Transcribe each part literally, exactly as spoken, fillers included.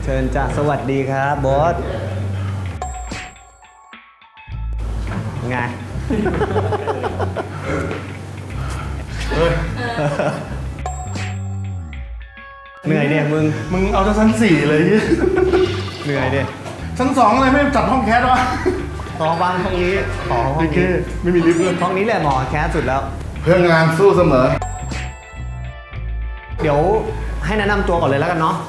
เชิญจ้ะสวัสดีครับบอสไงเหนื่อยเนี่ยมึงมึงเอาจากชั้นสี่เลยเหนื่อยดิชั้นสองอะไรไม่จัดห้องแคสวะต่อบ้านห้องนี้ต่อห้องโอเคนี้ไม่มีลิฟต์เลยห้องนี้แหละหมอแคสสุดแล้วเพื่อนงานสู้เสมอเดี๋ยวให้แนะนำตัวก่อนเลยแล้วกันเนาะ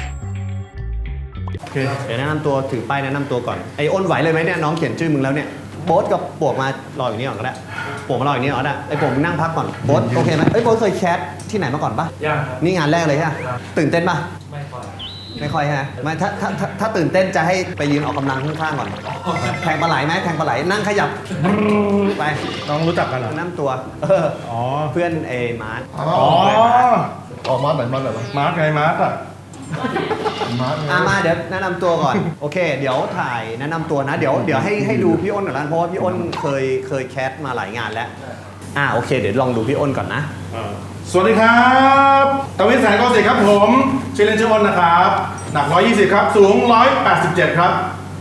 โอเคเดี๋ยวแนะนำตัวถือป้ายแนะนำตัวก่อนไอ้อ้นไหวเลยไหมเนี่ยน้องเขียนชื่อมึงแล้วเนี่ยโบ๊ทกับปวกมารออยู่นี่ก่อนก็ได้ปวกมารออยู่นี่ก่อนก็ได้ไอ้ปวกมึงนั่งพักก่อนโบ๊ทโอเคไหมเอ้ยโบ๊ทเคยแคสที่ไหนมาก่อนปะยังครับนี่งานแรกเลยใช่ไหมตื่นเต้นปะไม่ค่อยไม่ค่อยฮะไม่ถ้าถ้าถ้าถ้าตื่นเต้นจะให้ไปยืนออกกำลังข้างๆก่อนแทงปลาไหลไหมแทงปลาไหลนั่งขยับไปน้องรู้จักกันเหรอแนะนำตัวเอออ๋อเพื่อนเอมาร์ทอ๋อออกมาไหนมาไหนวะมาร์กไงมาร์กอะมาร์คไงอ่ะมาเดี๋ยวแนะนำตัวก่อนโอเค เดี๋ยวถ่ายแนะนำตัวนะเดี๋ยวเดี๋ยวให้ให้ดูพี่อ้นก่อนนะเพราะว่าพี่อ้นเคยเคยแคสมาหลายงานแล้วอ่ะโอเคเดี๋ยวลองดูพี่อ้นก่อนนะอ่าสวัสดีครับตวินแสนกอสิครับผมชื่อเล่นชื่ออ้นนะครับ หนักหนึ่งร้อยยี่สิบครับ สูงหนึ่งร้อยแปดสิบเจ็ดครับ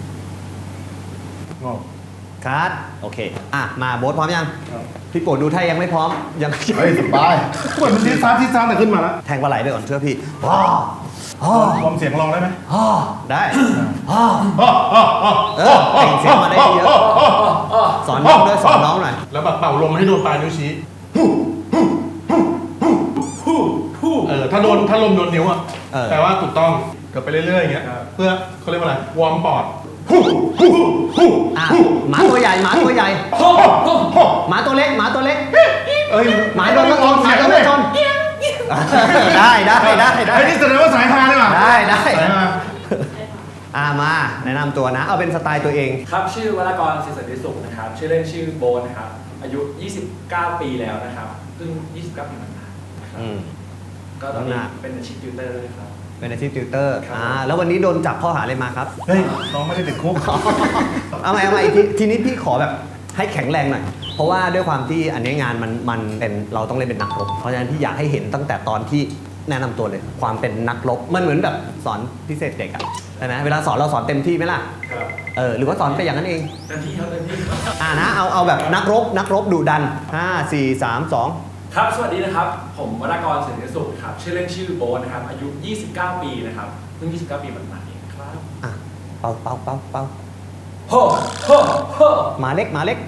งอกคัดโอเคอ่ะมาโบ๊ทพร้อมยังพี่โปรดดูถ้ายังไม่พร้อมยังเฮ้ยสบายเหมือนมันทีซ้าที่ซ้าแต่ขึ้นมาแล้วแทงปลาไหลไปก่อนเชื่อพี่ว้าววอร์มเสียงลองได้ไหมได้อ้ออ้ออ้อเออเป่งเสียงมาได้เยอะสอนน้องด้วยสอนน้องหน่อยแล้วแบบเป่าลมให้โดนปลายนิ้วชี้เออถ้าโดนถ้าลมโดนนิ้วอ่ะเออแต่ว่าถูกต้องเกิดไปเรื่อยๆอย่างเงี้ยเพื่อเขาเรียกว่าอะไรวอร์มปอดอ่ะหมาตัวใหญ่หมาตัวใหญ่หมาตัวเล็กหมาตัวเล็กเอ้ยหมาโดนรถชนหมาโดนรถชนได้ได้ได้ได้ไอ้นี่แสดงว่าสายฮาเลยว่ะได้ได้สายฮาอ่ะมาแนะนำตัวนะ เอาเป็นสไตล์ตัวเองครับชื่อวรากรศิษย์สันติสุขนะครับ ชื่อเล่นชื่อโบนนะครับ อายุ ยี่สิบเก้า ปีแล้วนะครับเพิ่งยี่สิบเก้า ปีมันนะครับอืมก็ตอนนี้น้ำหนักเป็นอาชีพติวเตอร์ด้วยครับเป็นอาชีพติวเตอร์ครับอ่าแล้ววันนี้โดนจับข้อหาอะไรมาครับเฮ้ยน้องไม่ได้ติดคุกเอาใหม่เอาใหม่ทีทีนี้พี่ขอแบบให้แข็งแรงหน่อย เพราะว่าด้วยความที่อันนี้งานมันมันเป็นเราต้องเล่นเป็นนักรบ เพราะฉะนั้นพี่อยากให้เห็นตั้งแต่ตอนที่แนะนำตัวเลย ความเป็นนักรบ มันเหมือนแบบสอนพิเศษเด็กอะใช่ไหมเวลาสอนเราสอนเต็มที่ไหมล่ะครับเออหรือว่าสอนไปอย่างนั้นเองเต็มที่ครับเต็มที่ครับอ่านะเอาเอาแบบนักรบนักรบดุดันห้า สี่ สาม สองครับ สวัสดีนะครับ ผมวรากรศิษย์สันติสุขครับ ชื่อเล่นชื่อโบนนะครับ อายุ ยี่สิบเก้า ปีนะครับเพิ่งยี่สิบเก้า ปีมันมาเองครับอ่ะเป่าเป่าเป่าเป่าโฮ่โฮ่โฮ่หมาเล็กหมาเล็ก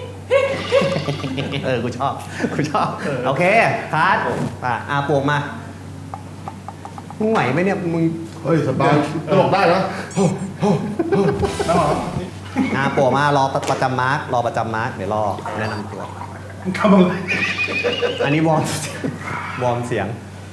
เออ กูชอบ กูชอบ โอเคคัสอ่ะอาปวกมา มึงไหวไหมเนี่ย มึงเฮ้ยสบายตลกได้เหรอน้องเหรออาปวกมารอประจำมาร์กรอประจำมาร์กเดี๋ยวรอแนะนำตัวมึงทำอะไรอันนี้วอร์ม วอร์มเสียง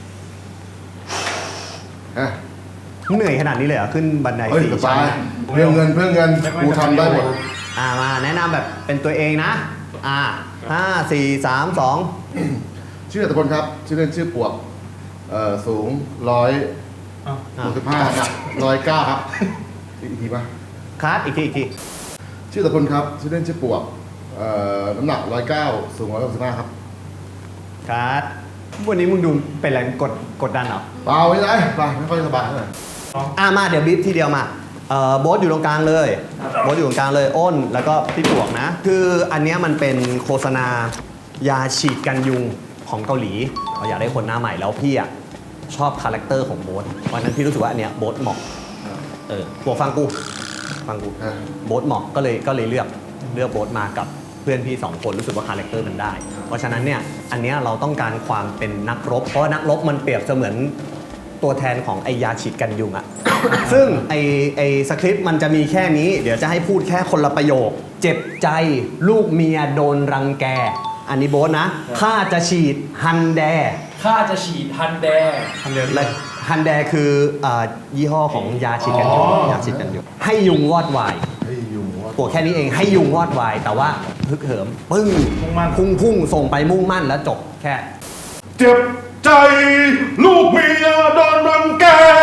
ฮะเหนื่อยขนาดนี้เลยเหรอ ขึ้นบันไดเฮ้ยสี่สชั้บาน ยเพื่อเงินเพื่อเงินกูทำได้หมดอ่ามาแนะนำแบบเป็นตัวเองนะ อ่าห้า สี่ สาม สองชื่ออัตพลครับ ชื่อเล่นชื่อปวกเอ่อสูงร้อยอ้าวหกสิบห้าร้อยเก้าครับอีกทีป่ะคัสอีกทีอีกทีชื่ออัตพลครับ ชื่อเล่นชื่อปวกเอ่อน้ำหนักร้อยเก้าสูงร้อยหกสิบห้าครับคัสวันนี้มึงดูเป็นอะไรกดกดดันเหรอเปล่าไม่ได้เปล่าไม่ค่อยสบายเท่าไหร่อ่ะมาเดี๋ยวบีบทีเดียวมาเอ่อโบ๊ทอยู่ตรงกลางเลยโบ๊ทอยู่ตรงกลางเลยอ้นแล้วก็พี่ปวกนะ คืออันเนี้ยมันเป็นโฆษณายาฉีดกันยุงของเกาหลีเราอยากได้คนหน้าใหม่แล้วพี่อ่ะชอบคาแรคเตอร์ของโบ๊ทเพราะฉะนั้นพี่รู้สึกว่าอันเนี้ยโบ๊ทเหมาะเออปวกฟังกูฟังกูอ่ะโบ๊ทเหมาะก็เลยก็เลยเลือกเลือกโบ๊ทมากับเพื่อนพี่สองคนรู้สึกว่าคาแรคเตอร์มันได้ เพราะฉะนั้นเนี่ยอันเนี้ยเราต้องการความเป็นนักรบ เพราะว่านักรบมันเปรียบเสมือนตัวแทนของไอยาฉีดกันยุงอะ ซึ่งไอไอสคริปต์มันจะมีแค่นี้ เดี๋ยวจะให้พูดแค่คนละประโยค เจ็บใจลูกเมียโดนรังแก อันนี้โบ๊ทนะข้าจะฉีดฮันแดข้าจะฉีดฮันแดงทำเร็วและฮันแดคืออ่ายี่ห้อของยาฉีดกันยุงอ๋อยาฉีดกันยุงให้ยุงวอดวายเฮ้ยยุงว่าปวดแค่นี้เองให้ยุงวอดวาย แต่ว่าฮึกเหิมปึ้งมุ่งมั่นพุ่งพุ่งส่งไปมุ่งมั่นแล้วจบแค่เจ็บใจลูกเมียโดนรังแก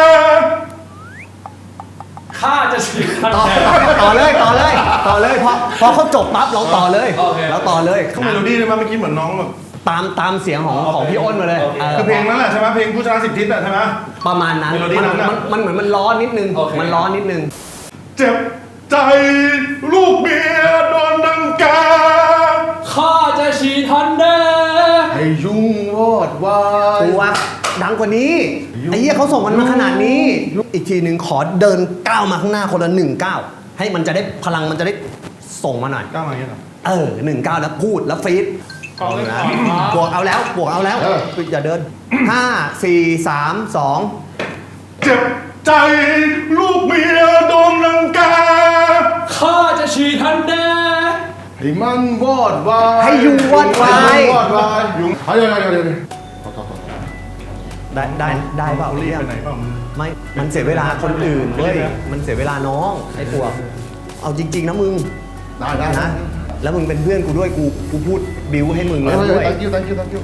ข้าจะฉีดฮันต่อแดงต่อเลยต่อเลยต่อเลยพอพอเขาจบปั๊บเราต่อเลยโอเคเราต่อเลยเขาเมโลดี้เลยมั้ยเมื่อกี้เหมือนน้องแบบตามตามเสียงของของพี่อ้นมาเลยโอเคเออคือเพลงนั้นแหละใช่ไหมเพลงผู้ชนะสิบทิศอะใช่ไหมประมาณนั้นเมโลดี้มันนั้นน่ะมันมันเหมือนมันร้อนนิดนึงโอเคมันร้อนนิดนึงเจ็บใจลูกเมียโดนดังกาข้าจะฉีดทันเดให้ยุ่งวอดวายตัวดังกว่านี้ไอ้เหี้ยเขาส่งมันมาขนาดนี้ อีกทีหนึ่งขอเดินก้าวมาข้างหน้าคนละหนึ่งก้าวให้มันจะได้พลังมันจะได้ส่งมาหน่อยก้าวมาอย่างเงี้ยเหรอเออหนึ่งก้าวแล้วพูดแล้วฟีดขอเลยนะขอครับบวกเอาแล้วบวกเอาแล้วอย่าเดินห้าสี่สามสองเจ็บใจลูกเมียโดนดังกาข้าจะฉีดทันเดให้มันวอดวายให้ยุงวอดวายให้มันวอดวายยุงเดี๋ยวเดี๋ยวเดี๋ยวเดี๋ยวขอโทษขอโทษได้ได้ได้เปล่าเอารีบเรียกไปไหนเปล่ามึงไม่ มันเสียเวลาคนอื่นเว้ย มันเสียเวลาน้องไอ้พวกเอาจริง ๆ นะมึงได้ได้นะนะแล้วมึงเป็นเพื่อนกูด้วย กู กูพูดบิวให้มึงเฮ้แล้ยวด้วย thank you thank you thank you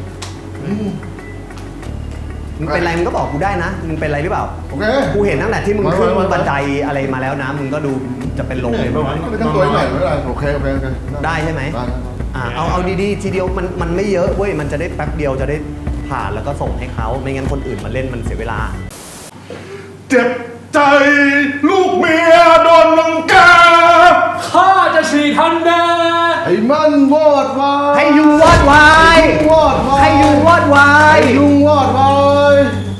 มึงเป็นไรมึงก็บอกกูได้นะ มึงเป็นไรหรือเปล่าโอเคกูเห็นตั้งแต่ที่มึงมาขึ้นมามาบันไดอะไรมาแล้วนะ มึงก็ดูจะเป็นลมเหนื่อยปะวะไปทั้งตัวหน่อยไม่เป็นไรโอเคโอเคโอเคได้ใช่ไหมได้ได้อ่าเอา เอาดีๆ ทีเดียวมัน มันไม่เยอะเว้ย มันจะได้แป๊บเดียวจะได้ผ่านแล้วก็ส่งให้เขา ไม่งั้นคนอื่นมาเล่นมันเสียเวลาเจ็บใจลูกเมียโดนดังกาข้าจะฉีดทันเดให้มันวอดวายให้ยุงวอดวายให้ยุงวอดวายให้ยุงวอดวายให้ยุงวอดวาย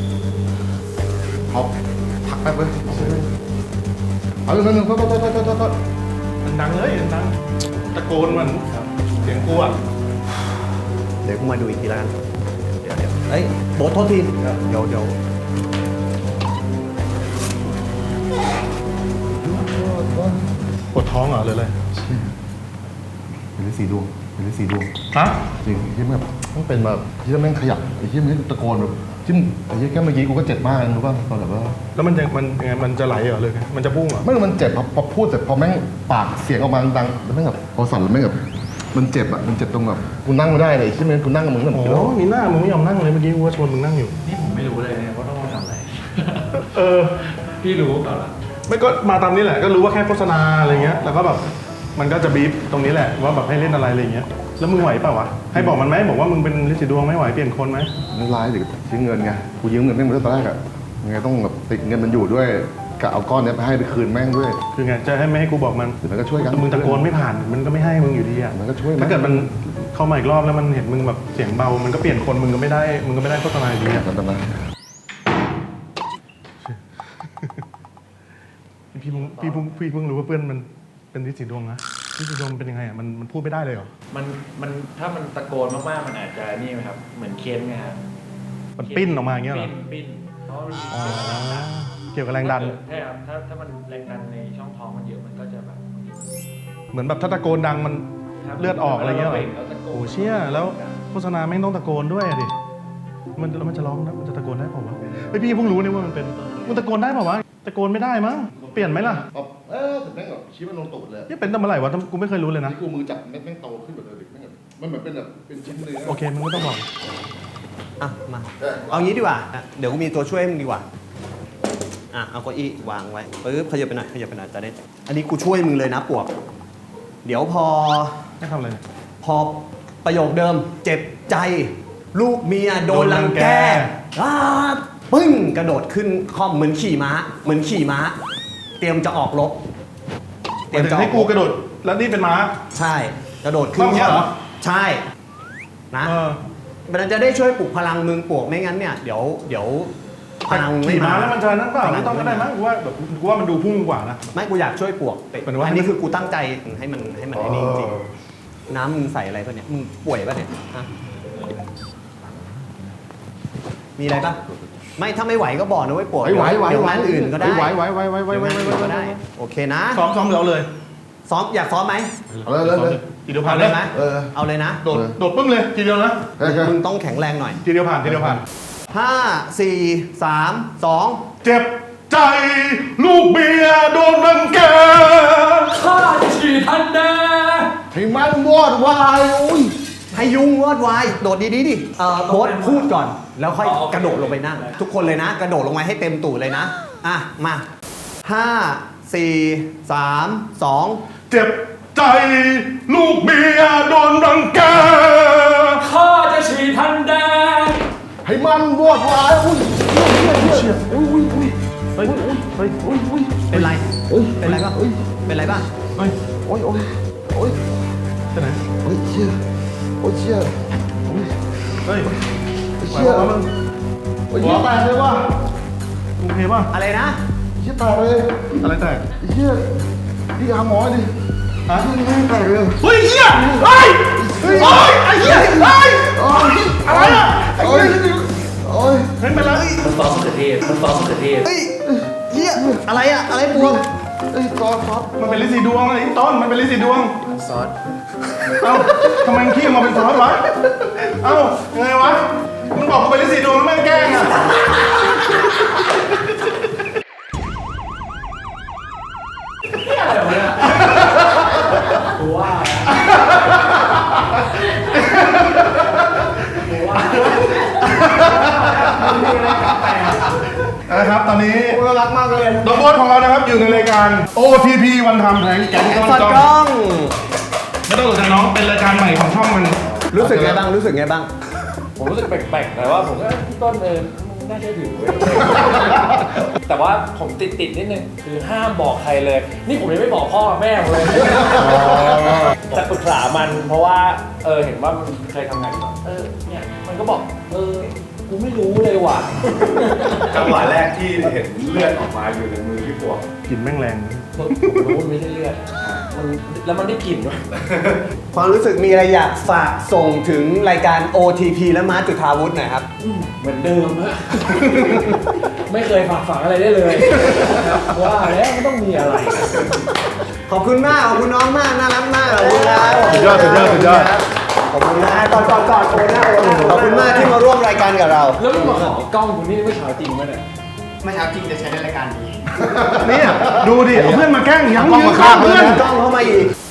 เอาพักแป๊บเลยเอาหนึ่งหนึ่งโทษโทษโทษโทษโทษโทษมันดังเลยมันดังตะโกนมันเสียงกูอะเดี๋ยวกูมาดูอีกทีแล้วกัน เดี๋ยวเดี๋ยวเอ้ยโบ๊ทโทษที เดี๋ยวเดี๋ยวปวดท้องเหรอหรืออะไรเป็นฤทธิ์สีดวงเป็นฤทธิ์สีดวงฮะจริงที่แบบต้องเป็นแบบที่แม่งขยับไอ้ที่มันตะโกนแบบที่ไอ้ที่แค่เมื่อกี้กูก็เจ็บมากรู้ป่ะตอนแบบว่าแล้วมันจะมันยังไงมันจะไหลเหรอเลยมันจะพุ่งเหรอไม่มันเจ็บพอพอพูดเสร็จพอแม่งปากเสียงออกมาดังแล้วแม่งแบบพอสั่นแล้วแม่งแบบมันเจ็บอ่ะมันเจ็บตรงแบบกูนั่งไม่ได้เลยที่มันกูนั่งกับมึงแบบโอ้มีหน้ามึงไม่ยอมนั่งเลยเมื่อกี้กูว่าชวนมึงนั่งอยู่นี่ผมไม่รู้เลยเนี่ยว่าต้องมาทำอะไรเออพี่รู้ก่อนละไม่ก็มาตามนี้แหละก็รู้ว่าแค่โฆษณาอะไรเงี้ยแล้วก็แบบมันก็จะบีบตรงนี้แหละว่าแบบให้เล่นอะไรอะไรเงี้ยแล้วมึงไหวเปล่าวะให้บอกมันไหมบอกว่ามึงเป็นฤทธิ์สีดวงไม่ไหวเปลี่ยนคนไหมมันร้ายเด็กทิ้งเงินไงกูยืมเงินแม่งมาตั้งแต่แรกอ่ะยังไงต้องแบบติดเงินมันอยู่ด้วยกะเอาก้อนเนี้ยไปให้ไปคืนแม่งด้วยคือไงจะให้ไม่ให้กูบอกมันหรือมันก็ช่วยกันมึงตะโกนไม่ผ่านมันก็ไม่ให้มึงอยู่ดีอ่ะมันก็ช่วยถ้าเกิดมันเข้ามาอีกรอบแล้วมันเห็นมึงแบบเสียงเบามันก็เปลี่ยนคนมึงก็ไม่ได้มึงก็ไม่ได้โฆษณาอยู่ดีอ่ะกันตนะพี่เพิ่งพี่เพิ่งพี่เพิ่งรู้ว่าเพื่อนมันเป็นฤทธิ์สีดวงนะฤทธิ์สีดวงมันเป็นยังไงอ่ะมันมันพูดไม่ได้เลยเหรอมันมันถ้ามันตะโกนมากๆมันอาจจะนี่ไหมครับเหมือนเค้นไงครับมันปิ้นออกมาอย่างเงี้ยเหรอปิ้นปิ้นเพราะมันมีอ๋อเกี่ยวกับแรงดันเกี่ยวกับแรงดันใช่ครับถ้าถ้ามันแรงดันในช่องท้องมันเยอะมันก็จะแบบเหมือนแบบถ้าตะโกนดังมันเลือดออกอะไรเงี้ยเหรอแล้วตะโกนโอ้เชี่ยแล้วโฆษณาไม่งต้องตะโกนด้วยอะดิมันแล้วมันจะร้องนะมันจะตะโกนได้เปล่าวะไอพี่เพิ่งรู้เนี่ยว่ามันเป็นมันตะโกนได้เปล่าวะตะโกนไม่ได้มั้งเปลี่ยนไหมล่ะเออแต่แม่งแบบชี้มันลงตูดเลยนี่เป็นตั้งเมื่อไหร่วะกูไม่เคยรู้เลยนะนี่กูมือจับแม่งแม่งโตขึ้นแบบเด็กแม่งแบบมันเหมือนเป็นแบบเป็นชิ้นเนื้อโอเคมึงไม่ต้องบอกอ่ะ มา เอางี้ดีกว่าอ่ะเดี๋ยวกูมีตัวช่วยให้มึงดีกว่า อ่ะ เอาเก้าอี้วางไว้ปึ๊บขยับไปหน่อยขยับไปหน่อยจะได้ อันนี้กูช่วยมึงเลยนะปวก เดี๋ยวพอไม่ทำอะไรเนี่ยพอประโยคเดิมเจ็บใจ ลูกเมียโดนรังแกโดนรังแกอ้าปึ้งกระโดดขึ้นคอมเหมือนขี่ม้า เหมือนขี่ม้า เตรียมจะออกรบเตรียมให้กูกระโดดแล้วนี่เป็นม้าใช่ กระโดดขึ้นต้องเงี้ยเหรอใช่ นะเออมันจะได้ช่วยปลุกพลังมึงปวกไม่งั้นเนี่ยเดี๋ยวเดี๋ยวพลังไม่ขี่มาม้าแล้วมันจะนั่นเปล่าไม่ต้องก็ได้มั้งกูว่าแบบกูว่ามันดูพุ่งกว่านะไม่กูอยากช่วยปวกแต่เป็นว่าอันนี้คือกูตั้งใจให้มันให้มันไอ้นี่จริงๆน้ำมึงใส่อะไรป่ะเนี่ยมึงป่วยป่ะเนี่ยฮะมีอะไรป่ะไม่ถ้าไม่ไหวก็บอกนะเว้ยปวกไหวไหวเดี๋ยวไหวงานอื่นก็ได้ไหวไหวไหวไหวไหวไหวเดี๋ยวไหวงานอื่นไหวก็ได้โอเคนะซ้อมซ้อมเราเลยซ้อมอยากซ้อมไหมเอาเลยเลยเลยทีเดียวเอาผ่านเลเลย ยไหมเออเอาเลยนะโดดโดดปึ้งเลยทีเดียวนะโอเคมึงต้องแข็งแรงหน่อยทีเดียวผ่านทีเดียวผ่านห้าสี่สามสองเจ็บใจลูกเมียโดนรังแกข้าจะฉีดทันเดให้มันวอดวายอุ้ยให้ยุงวอดวายโดดดีๆดิเอ่อโค้ดพูดก่อน แล้วค่อยกระโดดลงไปนั่ง ทุกคนเลยนะ กระโดดลงมาให้เต็มตูดเลยนะ อ่ะ มาห้าสี่สามสองเจ็บใจลูกเมียโดนรังแกข้าจะฉีทันแดงให้มันวอดวายอุ้ยเชี่ยอุ้ยอุ้ยอุ้ยเฮ้ยเฮ้ยอุ้ยอุ้ยเป็นไรเฮ้ยเป็นไรบ้างเฮ้ยเป็นไรบ้างเฮ้ยโอ้ยโอ้ยโอ้ยไปไหนโอ้ยเชี่ยโอ้ยเชี่ยโอ้ยเฮ้ยเชี่ยหัวมึงโอ้ยเชี่ยแตกเลยว่ะโอเคป่ะอะไรนะเชี่ยแตกเลยอะไรแตกเชี่ยพี่หาหมอดิฮะเชี่ยนี่แตกเลยเฮ้ยเฮียเฮ้ยเฮ้ยไอ้เฮียเฮ้ยโอ้ยอะไรอ่ะไอ้โอ้ยเฮียโอ้ยเฮ้ยเป็นไรมันซอสมะเขือเทศมันซอสมะเขือเทศเฮ้ยเฮียอะไรอะอะไรบวมเอ้ยซอสซอสมันเป็นลินสีดวงเลยต้นมันเป็นลินสีดวงซอสเอ้าทำไมมึงขี้ออกมาเป็นซอสวะเอ้ายังไงวะมึงบอกกูเป็นลินสีดวงแล้วแม่งแกล้งอ่ะอะไรวะเนี่ยกูว่ากูว่ามันมีอะไรแปลกนะครับตอนนี้โอ้ยรักมากเลยน้องโบ๊ทของเรานะครับอยู่ในรายการ โอ ที พี วันทำแผงแก๊งก้อนสอดกกล้ล้ออง งไม่ต้องสนใจน้องเป็นรายการใหม่ของช่องมันรู้สึกไงบ้าง รู้สึกไงบ้างผมรู้สึกแปลกๆแต่ว่าผมก็พี่ต้นเออมึงน่าเชื่อถือเว้ยแต่ว่าผมติดติดๆนิดนึงคือห้ามบอกใครเลย นี่ผมยังไม่บอกพ่อแม่ผมเลยแต่ปรึกษามันเพราะว่าเออเห็นว่ามันเคยทำงานอยู่เออเนี่ยมันก็บอกเออกูไม่รู้เลยว่ะจังหวะแรกที่เห็นเลือดออกมาอยู่ในมือพี่ปวกกลิ่นแม่งแรงผมรู้มันไม่ใช่เลือดมันแล้วมันได้กลิ่นด้วยความรู้สึกมีอะไรอยากฝากส่งถึงรายการ โอ ที พี และมาร์ทจุฑาวุฒิหน่อยครับเหมือนเดิมฮะ ไม่เคยฝากฝังอะไรได้เลยว่าแล้วมันต้องมีอะไรขอบคุณมาก ขอบคุณน้องมาก น่ารักมาก ขอบคุณครับสุดยอดสุดยอดสุดยอดขอบคุณนะก่อนก่อนก่อนโอนนะโอนนะขอบคุณมากที่มาร่วมรายการกับเราแล้วมึงมาขอกล้องกูนี่ไม่เช้าจริงไหมเนี่ยไม่เช้าจริงจะใช้ในรายการนี้เนี่ยดูดิเอาเพื่อนมาแกล้งยังกล้องยืนมาข้าข้าง งเพื่อนเลยนะกล้องเข้ามาอีก